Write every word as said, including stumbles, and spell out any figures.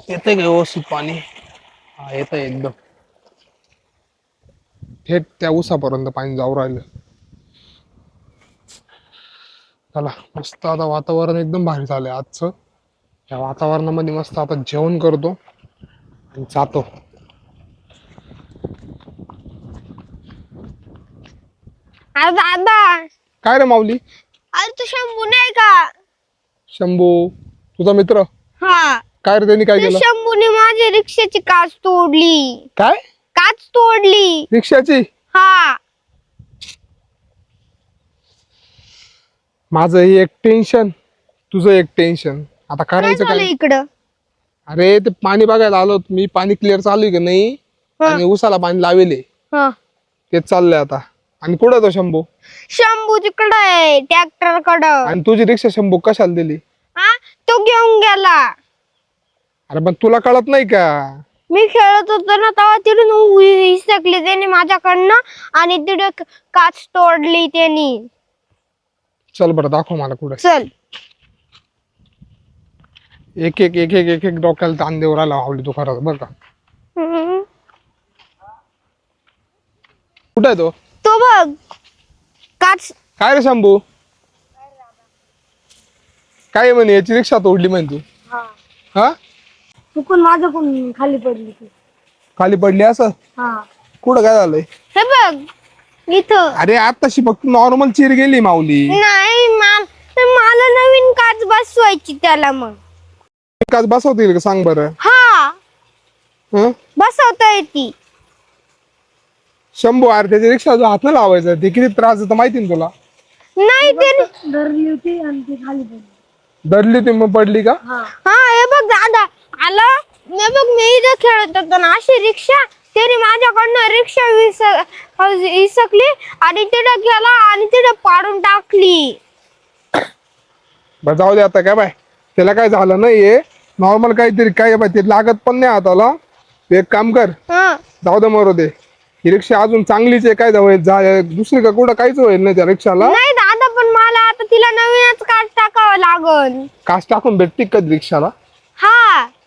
येतंय का व्यवस्थित पाणी? हा येतंय एकदम थेट त्या उसापर्यंत पाणी जाऊ राहिलं. चला मस्त आता वातावरण एकदम भारी झालंय आजचं. या वातावरणामध्ये मस्त आता जेवण करतो आणि जातो. अरे दादा, काय रे माऊली? अरे तू शंभू नाही का? शंभू तुझा मित्र? हा, काय रे त्यांनी काय त्या केलं? शंभूने माझ्या रिक्षाची काच तोडली. काय काच तोडली. रिक्षाची? हा, माझं हे एक टेन्शन, तुझं एक टेन्शन. आता काय करायचं झालं काय? इकडं? अरे ते पाणी बघायला आलो मी. पाणी क्लिअर चालू आहे की नाही हा. आणि उसाला पाणी लावेले हा. तेच चाललंय आता. आणि कुठं तो शंभू? शंभू तिकडं आहे ट्रॅक्टर कडं. आणि तुझी रिक्षा शंभू कशाला दिली? हा, तो घेऊन गेला. अरे पण तुला कळत नाही का? मी खेळत होतो ना तेव्हा तिथून हिसकली त्याने माझ्याकडनं आणि तिथे काच तोडली त्यांनी. चल बरं दाखव मला कुठे. चल. एक एक एक एक एक एक डोक्याला ताण देऊ राहिला आवली तू खरंच बरं का. हम्म. कुठे आहे तो? तो बघ काच. काय रे शंभू? काय म्हणे याची रिक्षा तोडली म्हणे तू? हा, चुकून माझ्याकडून खाली पडली ती. खाली पडली असं? हा, कुठं काय झालंय? हे बघ इथं. अरे आताशी फक्त नॉर्मल चिर गेली माऊली. नाही मा- मला नवीन काच बसवायची त्याला. मग काच बसवता येईल का सांग बरं? हा, हं? बसवता येते. शंभू अरे त्याच्या रिक्षा जो हात नाही लावायचा ते किती त्रास देतं माहिती ना तुला? नाही ते धरली होती आणि ती खाली पडली. दडली ती मग पडली का? हा, हे बघ दादा आला. हे बघ मी इथं खेळत होतो ना अशी रिक्षा. त्याने माझ्याकडनं रिक्षा विस विसकली आणि तिथे गेला आणि तिथे पाडून टाकली. बरं जाऊ दे आता. काय बाय त्याला काय झालं नाहीये. नॉर्मल काहीतरी काय बाय ते लागत पण नाही हाताला. तू एक काम कर, हा, जाऊ दे मरू दे. ही रिक्षा अजून चांगलीच आहे. काय जाऊ जा दुसरी का कुठं काहीच होईल नाही त्या रिक्षाला. नाही दादा पण मला आता तिला नवीनच काच टाकावं लागल. काच टाकून भेटते का रिक्षाला? हा,